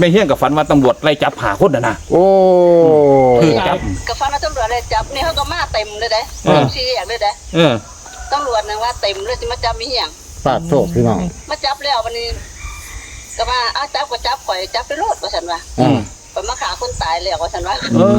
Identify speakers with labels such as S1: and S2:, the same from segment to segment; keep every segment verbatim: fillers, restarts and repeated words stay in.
S1: ไม่เฮี้ยงกับฝันว่าตำรวจไล่จับหาคนน่ะนะ
S2: โอ้
S1: คือจับ
S3: กับฟันตำรวจเลยจับนี่เขาก็มาเต็มเลยเด้ชี้แยกเลยเด้
S1: เออ
S3: ตำรวจนึงว่าเต็มเลยสิมาจับมีเหี้ยง
S2: ปาดโทษพี่น้อง
S3: มาจับแล้ววันนี้ก็มาอ้าวจับก็จับข่อยจับไปโลดว่าฉันว่า
S2: อืม
S3: ไปมาขาคนตายแล้วว่าฉันว่า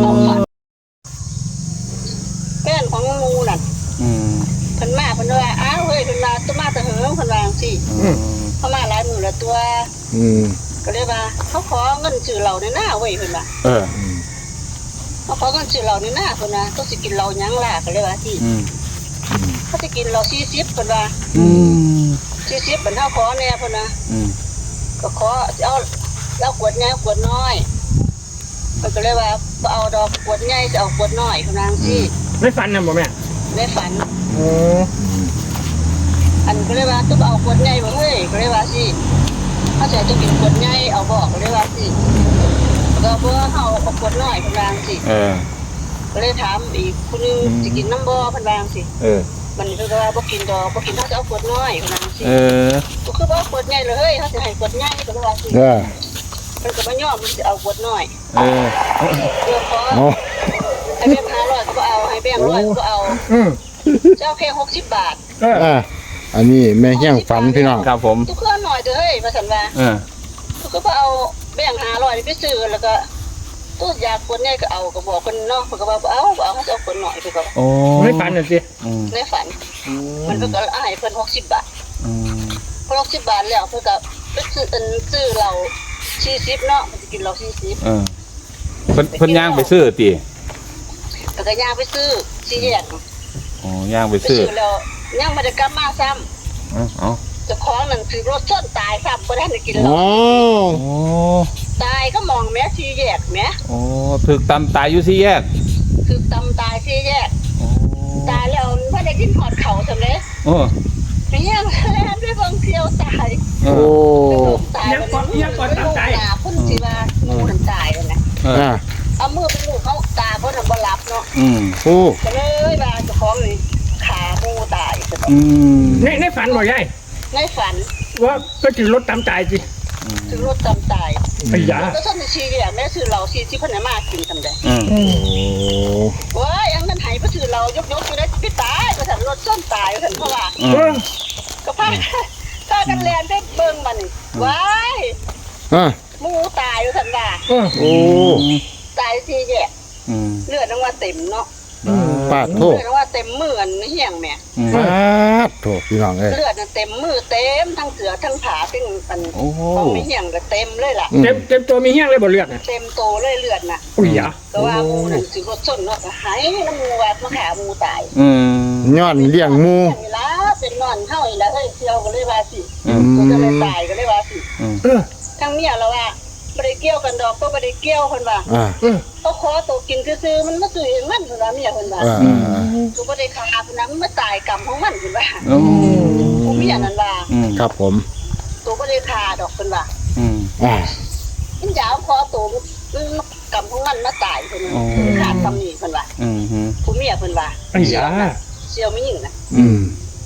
S3: แม่นของงูนั่น
S1: อืม
S3: เพิ่นมาเพิ่นว่าอ้าวเฮ้ยเพิ่นมาตัวมาแต่เหิงเพิ่นว่าจังซี่เขามาหลายมื้อละตัว
S2: อืม
S3: ก็เลยว่าเขาขอเงินซื้อเหล้าในหน้าเว้ยเพิ่นว่า
S1: เออ
S3: เขาขอเงินซื้อเหล้าในหน้าเพิ่นว่าต้องสิกินเหล้าหยังล่ะก็เลยว่าที่เขาสิกินเหล้าสี่สิบเพิ่นว่า
S1: อืม
S3: สี่สิบเพิ่นเฮาขอแน่เพิ่นนะ
S1: อืม
S3: ก็ขอเอาเอาขวดใหญ่ขวดน้อยเพิ่นก็เลยว่าบ่เอาดอกขวดใหญ่จะเอาขวดน้อยเพิ่นว่าจังซี่
S4: ในฝันน่ะบ่แม่
S3: ในฝัน
S4: โอ้
S3: อันก็เลยว่าต้องเอาขวดใหญ่บ่เฮ้ยก็เลยว่าสิเขาจะจะกินขวดใหญ่เอาบอกก็เลยว่าสิก็บ่เฮาเอาขวดน้อยเพิ่นว่าจังซี่
S1: เออ
S3: ก็เลยถามอีกคนนึงสิกินน้ำบ่เพิ่นว่าจังซี่
S1: เออ
S3: มันเพิ่นก็ว่าบ่กินดอกบ่กินเฮาจะเอาขวดน้อยเพิ่นว่าจังซี่
S1: เออ
S3: ก็คือบ่เอาขวดใหญ่เลยเฮ้ยเฮาสิให้ขวดใหญ่ก็เลยว่าสิ
S2: เออ
S3: เพิ่นก็บ่ยอมมันสิเอาขวดน้อย
S1: เออ
S3: เดี๋ยวขอให้แบงค์ห้าร้อยก็บ่เอาให้แบงค์ร้อยก็เอา
S4: อืม
S3: เจ้าแค่หกสิบบาท
S4: เออ
S2: อันนี้แม่เฮี้ยงฝันพี่น้อง
S1: ครับผม
S3: ทุกเครื่องหน่อยเด้อเฮ้ยว่าซั่นว่า
S1: เออ
S3: ก็บ่เอาแบงค์ห้าร้อยนี่ไปซื้อแล้วก็ตู้ยาขวดใหญ่ก็เอาก็บอกเพิ่นเนาะเพิ่นก็ว่าบ่เอาบ่เอาเฮาจะเอาขวดน้อยไปก็
S1: โอ้
S4: ในฝันน่ะสิ
S1: อืม
S3: ในฝันมันเพิ่นก็ให้เพิ่นหกสิบบาท
S1: อืม
S3: พอหกสิบบาทแล้วเพิ่นก็ไปซื้ออันซื้อเหล้าสี่สิบเนาะมันสิกินเหล้าสี่สิบ
S1: เออเพิ่นเพิ่นย่างไปซื้อติ
S3: ก็ก็ย่างไปซื้อสี่แยก
S1: อ๋อย่างไปซื้อ
S3: แล้วย่างบ่ได้กลับมาซ้ำ
S1: เอ้าเอ้า
S3: เจ้าของนั่นคือรถชนตายซ้ำบ่ได้กินเหล้า
S2: โอ้
S1: โอ้
S3: ตายก็มองแม่สี่แยกแม่
S1: โอ้ถึกตำตายอยู่สี่แยก
S3: คือตำตายสี่แยกตายแล้วบ่ได้กินหอดเข่าซั่นเด้
S1: โอ้
S3: ไม่ยังแล่นด้วยบางเที่ยวตาย
S2: โอ้
S4: ยังก่อนยังก่อนตามใจ
S3: คนสิว่างูมันตายแล้วนะ
S2: อ่า
S3: เอามือไปลูกเขาตาเพิ่นบ่หลับเนาะ
S1: อืม
S2: โอ้
S3: ก็เลยว่าเจ้าของนี่ขางูตายซะบ่
S1: อืม
S4: ในในฝันบ่ยาย
S3: ในฝัน
S4: ว่าก็สิรถตามใจสิ
S3: ถึงรถตำตาย
S4: ไอ้ยา
S3: แล้วซั่นสิแยกแม่ซื้อเหล้าสี่สิบเพิ่นน่ะมากินซั่นเด้
S1: อืม
S2: โอ้
S3: โอ้ยอันนั้นให้ไปซื้อเหล้ายกๆอยู่ได้สิตายว่าซั่นรถซ่อนตายว่าซั่นเพราะว่า
S4: เออ
S3: ก็พาพากันแล่นไปเบิ่งมันนี่ว้าย
S2: อ่า
S3: หมูตายว่าซั่นว่า
S2: โอ้
S3: ตายสี่แยก
S1: อืม
S3: เลือดว่าเต็มเนาะ
S2: ปาดโทษ
S3: เลือดว่าเต็มมืออันเหี้ยงแม่
S2: ปาดโทษพี่น้องเอ้ย
S3: เลือดเต็มมือเต็มทั้งเสือทั้งขาเป็นอันต้องมีเหี้ยงก็เต็มเลยล่ะ
S4: เต็มเต็มตัวมีเหี้ยงเลยบ่เลือดน่ะ
S3: เต็มโตเลยเลือดน่ะ
S4: อุ้ยอ่ะ
S3: ก็ว่างูนั่นสิรถชนเนาะหายน้ำงูว่ามาขางูตาย
S1: อืม
S2: ย้อนเลี้ยงหมู่
S3: นี่ล่ะเป็นนอนเฮาอีแล้วเฮ้ยเที่ยวก็เลยว่าสิก็เลยตายก็เลยว่าสิ
S4: เออ
S3: ทั้งเมียเราว่าบ่ได้เกี่ยวกันดอกก็บ่ได้เกี่ยวเพิ่นว่า
S2: อ่า
S3: เขาขอตัวกินซื่อๆมันมาซื้อเองมันเพิ่นว่าเมียเพิ่นว่า
S2: อืม
S3: กูบ่ได้ฆ่าเพิ่นนะมันมาตายกรรมของมันเพิ่นว่า
S1: อืม
S3: ผู้เมียนั่นว่า
S2: ครับผม
S3: ตัวบ่ได้ฆ่าดอกเพิ่นว่า
S1: อืม
S2: อ่า
S3: มันยาวขอตัวมันกรรมของมันมาตายเพิ่นขาดคำนี้เพิ่นว่า
S1: อืมฮึ
S3: ผู้เมียเพิ่นว่า
S4: ไอ้ยา
S3: เสี่ยวไม่ยิงนะ
S2: อืม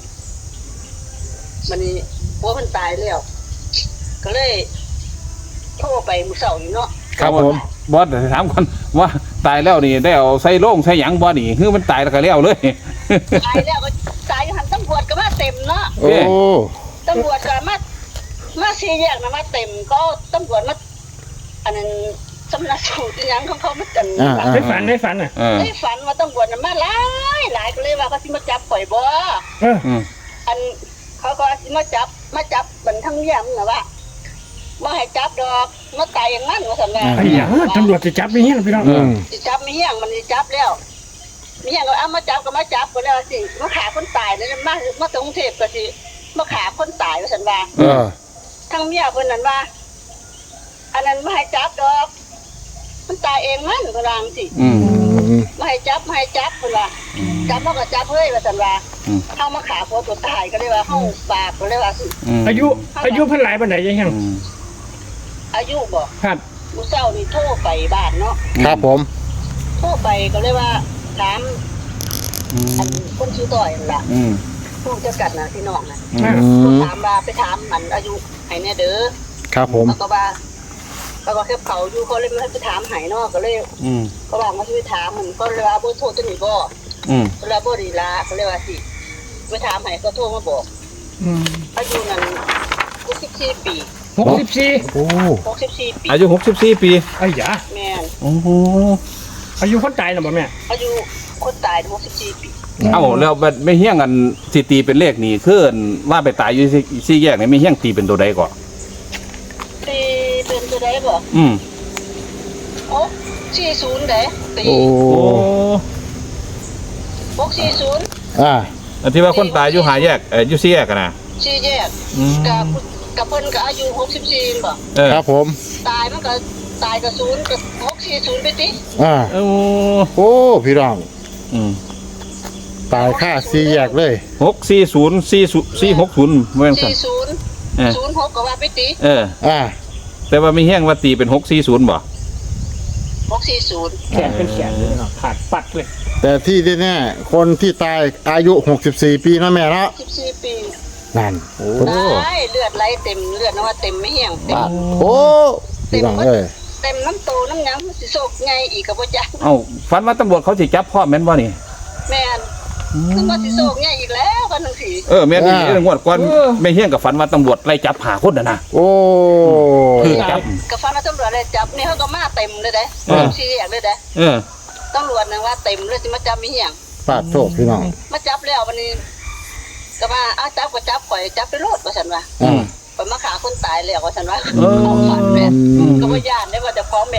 S3: มันนี่ผัวเพิ่นตายแล้วก็เลยโทรไปมื้อเช้านี่เนาะ
S2: ครับผม
S1: บอสถามก่อนว่าตายแล้วนี่ได้เอาใส่โล่งใส่หยังบ่นี่คือมันตายแล้วก็แล้วเลย
S3: ตายแล้วก็ตายหันตำรวจก็มาเต็มเนาะ
S2: โอ้
S3: ตำรวจก็มามาสี่แยกนะมาเต็มก็ตำรวจมาอันนั้นสำนักสูตรหยังของเขามากัน
S4: ในฝันในฝันน่ะ
S3: ในฝันว่าตำรวจน่ะมาหลายหลายก็เลยว่าเขาสิมาจับข่อยบ่
S4: เออ
S3: อันเขาก็สิมาจับมาจับบันทั้งเยี่ยมน่ะว่าบ่ให้จับดอกมาตายอย่างนั้นว่าซั่นน่ะ
S4: ไอ้หยังตำรวจจะจับมีเหี้ยงพี่น้อง
S3: สิจับมีเหี้ยงมันสิจับแล้วมีเหี้ยงก็เอามาจับก็มาจับก็แล้วสิมาฆ่าคนตายนั่นมามาถึงกรุงเทพก็สิมาฆ่าคนตายว่าซั่นว่า
S2: เออ
S3: ทั้งเมียเพิ่นนั่นว่าอันนั้นบ่ให้จับดอกมันตายเองมันเพิ่นว่าจังซี่
S1: อืม
S3: บ่ให้จับบ่ให้จับเพิ่นว่าจับบ่ก็จับเฮ้ยว่าซั่นว่าเฮามาฆ่าผัวตัวตายก็เลยว่าเฮาบาปก็เลยว่าสิ
S4: อายุอายุเพิ่นหลายปานใดยัง
S3: อายุบ่
S4: ครับ
S3: มื้อเช้านี่โทรไปบ้านเนาะ
S2: ครับผม
S3: โทรไปก็เลยว่าถามอันคนชื่อต่อยนั่นล่ะ
S1: อืม
S3: ผู้จัดการน่ะพี่น้องน่ะ
S2: อืม
S3: ถามว่าไปถามมันอายุให้แน่เด้อ
S2: ครับผม
S3: แล้วก็ว่าแล้วก็แค่เขาอยู่เขาเลยมาไปถามหายเนาะก็เลย
S1: อืม
S3: ก็วางมาที่ถามมันก็เลยว่าบ่โทรตัวนี้บ่
S1: อืม
S3: ก็เลยบ่ดีละก็เลยว่าสิไปถามหายก็โทรมาบอก
S4: อืม
S3: อายุนั้นหกสิบสี่ปี
S4: หกสิบสี่
S2: โอ้
S3: หกสิบสี่ปี
S1: อายุหกสิบสี่ปี
S4: ไอ้ยา
S3: แม่น
S1: โอ้โห
S4: อายุคนตายน่ะบ่แม่
S3: อายุคนตายหกสิบสี่ปี
S1: เอ้าแล้วบัดไม่เฮี้ยงกันสิตีเป็นเลขนี่คือว่าไปตายอยู่สี่สี่แยกนี่ไม่เฮี้ยงตีเป็นตัวใดก่อน
S3: ตีเป็นตัวใดบ่
S1: อืม
S3: หกสี่ศูนย์เด้ตี
S2: โอ้
S1: โอ้
S3: หกสี่ศูนย์
S2: อ่า
S1: อันที่ว่าคนตายอยู่หาแยกเอ่ออยู่สี่แยกกันนะ
S3: สี่แยก
S1: อืม
S3: กับกับเพิ่นก็อายุหกสิบสี่บ่
S1: เออ
S2: ครับผม
S3: ตายมันก็ตายกับศูนย์กับหกสี่ศูนย์ไปติ
S2: อ่า
S1: โอ้
S2: โอ้พี่น้อง
S1: อืม
S2: ตายค่าสี่แยกเลย
S1: หกสี่ศูนย์สี่สี่หกศูนย์เมื่อสัน
S3: สี่ศูนย์
S1: เออ
S3: ศูนย์หกก็ว่าไปติ
S1: เออ
S2: อ่า
S1: แต่ว่าไม่เฮี้ยงว่าตีเป็นหกสี่ศูนย์บ่
S3: หกสี่ศูนย์
S4: แขนเป็นแขนเลยเนาะขาดปัดเลย
S2: แต่ที่แน่ๆคนที่ตายอายุหกสิบสี่ปีนะแม่เนาะ
S3: สิบสี่ปี
S2: นั่น
S1: โอ้
S3: ตายเลือดไหลเต็มเลือดนะว่าเต็มไม่เหี่ยงเต็ม
S2: บาดโอ้พี่น้องเอ้ย
S3: เต็มน้ำโตน้ำหยังมันสิโศกไงอีกกับว่าจัก
S1: เอ้าฝันว่าตำรวจเขาสิจับพ่อแม่นบ่นี่
S3: แม่นคือว่าสิโศกไงอีกแล้วกันทั้งสี่
S1: เออแม่นอีเรื่องงวดก่อนไม่เฮี้ยงกับฝันว่าตำรวจไล่จับหาคนน่ะนะ
S2: โอ้
S1: คือจับ
S3: กับฟันตำรวจเลยจับนี่เขาก็มาเต็มเลยเด้
S1: เออ
S3: สี่แยกเลยเด้
S1: เออ
S3: ตำรวจนึงว่าเต็มเลยสิมาจับไม่เหี่ยง
S2: ปาดโทษพี่น้อง
S3: มาจับแล้ววันนี้ก็ว่าอ้าวจับก็จับข่อยจับไปโลดว่าฉันว่า
S2: อ่า
S3: ข่อยมาขาคนตายแล้วว่าฉันว่า
S1: เออ
S3: ของฝันแม่
S2: อืม
S3: ก็บ่ย่านได้ว่าจะพร้อมแบบ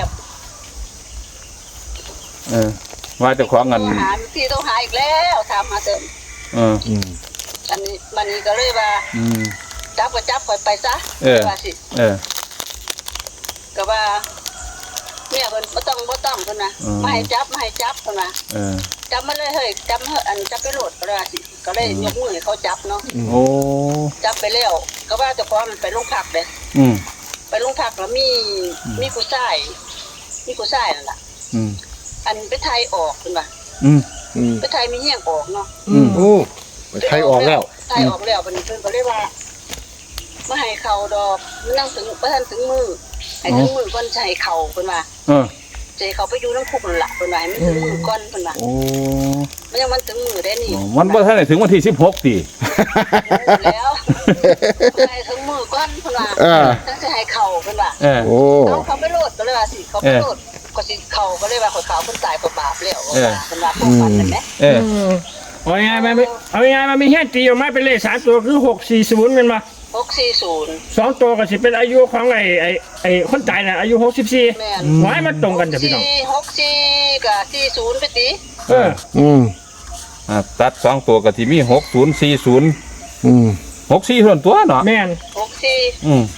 S1: เออ ว่าเจะของกัน
S3: โทรหาพี่ต้องหาอีกแล้วถามหาเสริม
S1: เออ
S2: อืม
S3: อันนี้มันนี้ก็เลยว่า
S1: อืม
S3: จับก็จับข่อยไปซะ
S1: เออ
S3: ว่าสิ
S1: เออ
S3: ก็ว่าเมียเพิ่นบ่ต้องบ่ต้องเพิ่นน่ะ
S1: อืม
S3: มาให้จับมาให้จับเพิ่นน่ะ
S1: เออ
S3: จับมาเลยเฮ้ยจับมาเฮ้ยอันจับไปโหลดก็เลยว่าสิก็เลยยกมือให้เขาจับเนาะ
S1: โอ้
S3: จับไปแล้วก็ว่าเจ้าของมันไปโรงพักเด้
S1: อืม
S3: ไปโรงพักแล้วมีมีผู้ชายมีผู้ชายนั่นล่ะ
S1: อืม
S3: อันไปไทยออกเพิ่นว่า
S1: อืม
S2: อืม
S3: ไปไทยมีเหี้ยงออกเนาะ
S1: อืม
S2: โอ้ไทยออกแล้ว
S3: ไทยออกแล้วบัดนี้เพิ่นก็เลยว่ามาให้เขาดอกนั่งถึงบ่ทันถึงมือให้ถึงมือก่อนสิให้เขาเพิ่นว่า
S1: เออ
S3: ใจเขาไปอยู่น้ำคุกนั่นล่ะเพิ่นว่าให้มันถึงมือก่อนเพิ่นว่า
S1: โอ้
S3: มันยังมันถึงมือได้นี่
S1: มันบ่ทันได้ถึงวันที่สิบหกติ
S3: แล้วให้ถึงมือก่อนเพิ่นว่า
S2: เออ
S3: จังสิให้เขาเพิ่นว่า
S1: เออ
S2: โอ้
S3: เอาเขาไปโลดก็เลยว่าสิเขาไปโลดก็สิเขาก็เลยว่าเขาเขาคนตายก็บาปแล้วว่าเพิ่นว่าพวกมันนั่นแหละ
S1: เออ
S4: เอาง่ายๆมาไม่เอาง่ายๆมามีแค่ตีออกมาเป็นเลขสามตัวคือหกสี่ศูนย์เป็นมา
S3: หกสี่ศูนย์
S4: สองตัวก็สิเป็นอายุของไอ้ไอ้ไอ้คนตายน่ะอายุหกสิบสี่
S3: แม่น
S4: ไว้มันตรงกันจ้ะพี่น้อง
S3: สี่หกสี่กับสี่ศูนย์ไปติ
S4: เออ
S2: อืม
S1: อ่าตัดสองตัวก็ที่มีหกศูนย์สี่ศูนย์
S2: อืม
S1: หกสี่ส่วนตัวเนาะ
S4: แม่น
S3: หกสี่
S1: อืม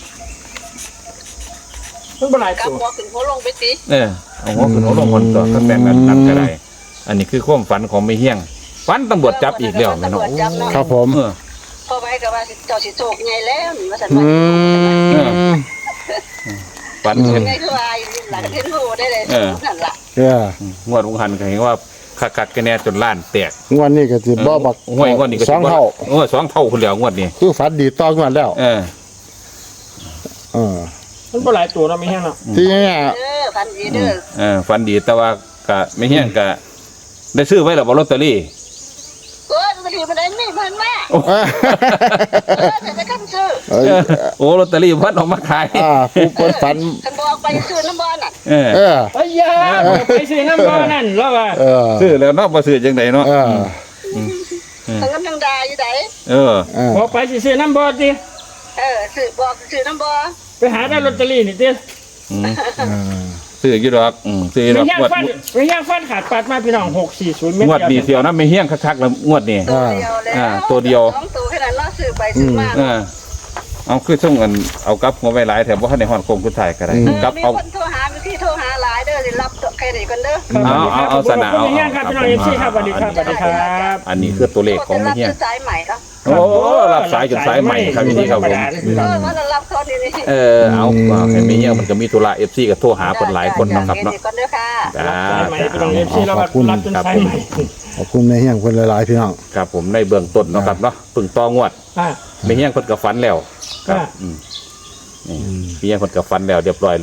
S4: มันเป็นหลาย
S3: กับ
S4: ตัว
S3: หัวขึ้นหัวลงไปติ
S1: เออเอาหัวขึ้นหัวลงคนตัวก็แบ่งกันนับก็ได้อันนี้คือความฝันของไม่เฮี้ยงฝันตำรวจจับอีกแล้วแม่เนาะ
S3: ตำรวจจับเนาะ
S2: ครับผม
S1: เออ
S3: พอไว้ก็ว่าสิเจ้าสิโชคใหญ่แล้วนี่ว่าซั่น
S2: อื
S3: ว่าม
S1: ฝัน
S2: อืม
S1: เห็น
S3: ไงคือว่าอยู่หลังเห็นหูได้เลย
S1: เออ
S3: นั่นล่ะ
S2: เออง
S1: วดวงหันก็เห็นว่าคักๆกันแน่จนล้านแตก
S2: งวดนี้ก็สิบ่บัก
S1: งวดงวดนี้ก็
S2: สองเท่า
S1: เออสองเท่าคนเดียวงวดนี้
S2: คือฝันดีต่องวดแล้ว
S1: เออ
S2: เออ
S4: มันเป็นหลายตัวเนาะมีแค่เนาะ
S2: ที่เนี่ย
S3: เออพันดีเด้อ
S1: เออฝันดีแต่ว่าก็ไม่เฮี้ยงก็ได้ซื้อไว้แล้วบ่ลอตเตอรี่
S3: เออจะถือมาได้ไม่มันแม่
S1: โอ้
S3: เออแต่จะกันซื้อ
S2: เอ้ย
S1: เออโอ้ลอตเตอรี่พัดออกมาขาย
S2: อ่าผู้เปิดฝัน
S3: คันบอกไปซื้อน้ำบอลน่ะ
S1: เออ
S2: เออ
S4: ไอ้ยาไปซื้อน้ำบ่อนั่นแล้วว่า
S2: เออ
S1: ซื้อแล้วเนาะบ่ซื้อจังไดเนาะ
S2: เออ
S3: ทั้งน้ำทั้งดาอยู่ไหน
S1: เออ
S2: เออ
S4: พอไปสิซื้อน้ำบ่อติ
S3: เออซื้อบอกซื้อน้ำบอล
S4: ไปหาได้ลอตเตอรี่นี่ติ
S1: อืม
S2: เออ
S1: ซื้ออยู่ดอกอืมซื้ออยู่ด
S4: ไม่
S1: อก
S4: ย่าง
S1: งวด
S4: ฟันไม่ย่างฟันขาดปัดมาพี่น้องหกสี่ศูนย์เมต
S1: งวดนี้
S4: เดี
S1: เที่ยวนะไม่เฮี้ยงคักๆแล้วงวดนี้
S3: ตัวเดียวแล้ว
S1: อ่าตัวเดียว
S3: สองตัวแค่นั้นเนาะซื้อไปซื้อมา
S1: เออเอาคือส่งเงินเอากลับหัวไว้หลายแถมบ่ทันได้ฮอดโคงคุณถ่ายก็ได้
S2: อืม
S1: กลับ
S3: มี
S1: เอา
S3: คนโทรหามีที่โทรหาหลายเด้อสิรับแค่นี้กันเด้อ
S1: เอาเอาเอาสนะ
S4: เอา
S1: เอา
S4: เอาครับพี่น้องเอฟซีครับสวัสดีครับสวัสดีครับ
S1: อันนี้คือตัวเลขของไม่เฮี้ยง
S3: รับสายใหม่เนาะ
S1: โอ้รับสายจนสายใหม่ครับพี่ครับผม
S3: เออว่าเรารับเขานี่นี่
S1: เออเอาเอาให้ไม่เฮี้ยงมันก็มีธุระ เอฟ ซี ก็โทรหาคนหลายคนเนาะครับเนาะ
S3: กันเด้อค่ะ
S1: จ้า
S4: สายใหม่พี่น้องเอฟซีเรารับรับจนสายใหม่
S2: ขอบคุณแม่เฮียงคนหลายๆพี่น้อง
S1: ครับผมในเบื้องต้นเนาะครับเนาะปึงตองวด
S4: อ่า
S1: ไม่เฮี้ยงเพิ่นก็ฝันแล้วครับ
S4: อ่า
S1: อืมนี่ไม่เฮี้ยงเพิ่นก็ฝันแล้วเรียบร้อยแล้ว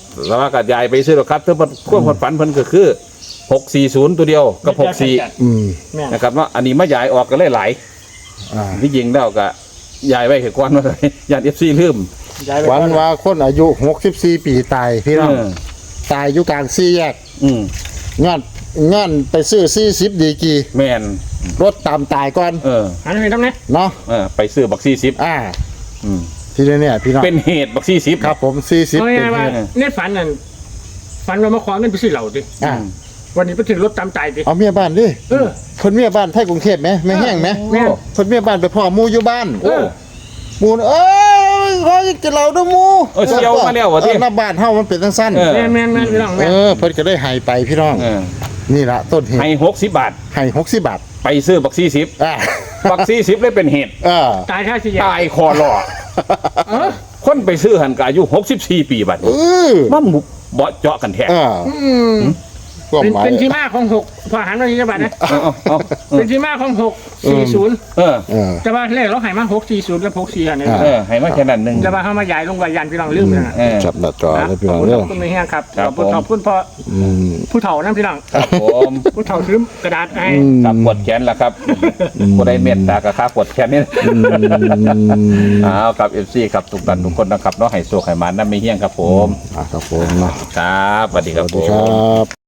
S1: แล้วว่ากับยายไปซื้อหรอกครับถ้าเพิ่นความฝันเพิ่นก็คือหกสี่ศูนย์ตัวเดียวกับหกสี่
S2: อืม
S4: แม่น
S1: นะครับเนาะอันนี้มายายออกก็เลยหลาย
S2: อ่า
S1: ที่จริงแล้วก็ยายไว้เห็นก้อนว่าเลยยานเอฟซีลืม
S4: ย้ายไป
S2: วันว่าคนอายุหกสิบสี่ปีตายพี่น้อง
S1: เออ
S2: ตายอยู่กลางสี่แยก
S1: อืม
S2: งานงานไปซื้อสี่สิบดีกี
S1: แมน
S2: รถตามตายก่อน
S1: เออ
S4: หันไปทำไง
S2: เนาะ
S1: เออไปซื้อบักซี่ซิป
S2: อ่า
S1: อืม
S2: ทีนี้เนี่ยพี่น้อง
S1: เป็นเหตุบักซี่ซิป
S2: ครับผมสี่สิบ
S4: เอา
S2: เป็น
S4: ง่ายๆว่า
S2: เหตุ
S4: ในฝันนั่นฝันว่ามาขอเงินไปซื้อเหล้าดิ
S2: อ่า
S4: วันนี้ไปถึงรถตามใจดิ
S2: เอาเมียบ้านดิ
S4: เออ
S2: คนเมียบ้านไทยกรุงเทพไหมไม่แห้งไหม
S4: แม่น
S2: คนเมียบ้านไปพ่อหมูอยู่บ้าน
S1: โอ้
S2: หมูน่ะเอ้ยขอกินเหล้าด้วยหมู
S1: เออเสียวมาแล้ววะที่
S2: เออหน้าบ้านเฮามันเป็นสั้น
S1: เออ
S4: แม่นแม่นแม่นพี่น้อง
S2: ๆ
S4: แม่
S2: เอน อเพิ่นก็ได้ให้ไปพี่น้อง
S1: เออ
S2: นี่ละต้นเหตุ
S1: ให้หกสิบบาท
S2: ให้หกสิบบาท
S1: ไปซื้อบักซี่ซิป
S2: อ่า
S1: บักซี่ซิปเลยเป็นเหตุ
S2: เออ
S4: ตายท่าสิยา
S1: ตายคอรอ
S4: เออ
S1: คนไปซื้อหันกอายุหกสิบสี่ปีบัด
S2: เอ
S1: นี้
S2: อ
S1: มันบุเบาะเจาะกันแท้
S2: เออ
S4: อืม
S2: ก็
S4: เป็น
S2: หมาย
S4: เป็นที่มาของหกพอหันมาที่จังหวัดนะ
S1: เอาเอาเอาเอ
S4: เป็
S1: อน
S4: ที่มาของหกสี่ศูนย์
S1: เออ
S2: เออ
S4: แต่ว่าเลขเราใหายมาหกสี่ศูนย์กับหกสี่อันนี้
S2: อ่า
S1: เออให้มาแค่นั้นหนึ่ง
S4: แต่ว่าเขามาย้ายลงวายันพี่น้องลืมนะ
S1: เออ
S2: จับหน้าจอ
S4: นะ
S2: เลยพี่
S4: ข
S2: น้
S4: อ
S2: อบ ง
S4: คุณ
S2: เด้อ
S4: ขอบคุณไม่แห้งครับ
S1: ครั
S4: ข
S1: บ
S4: อบคุณ
S1: ผม
S4: ขอบคุณพ่อ
S2: อืม
S4: ผู้เฒ่านั่นพี่น้อง
S1: ครับผม
S4: ผู้เฒ่าซื้อกระดาษให้
S2: อืม
S1: กับปวดแขนแล้วครับผู้ใดเม็ดตากระคาปวดแขนนี่
S2: อืม
S1: อ้าวกับเอฟซีครับทุกท่านทุกคนนะครับเนาะให้โชคให้มานั่นไม่เฮี้ยงครับผม
S2: อ่ะครับผมเนาะ
S1: ครับสวัสดี
S2: ส
S1: ครับ
S2: วัส
S1: ผ
S2: ดีครั
S1: ม
S2: บ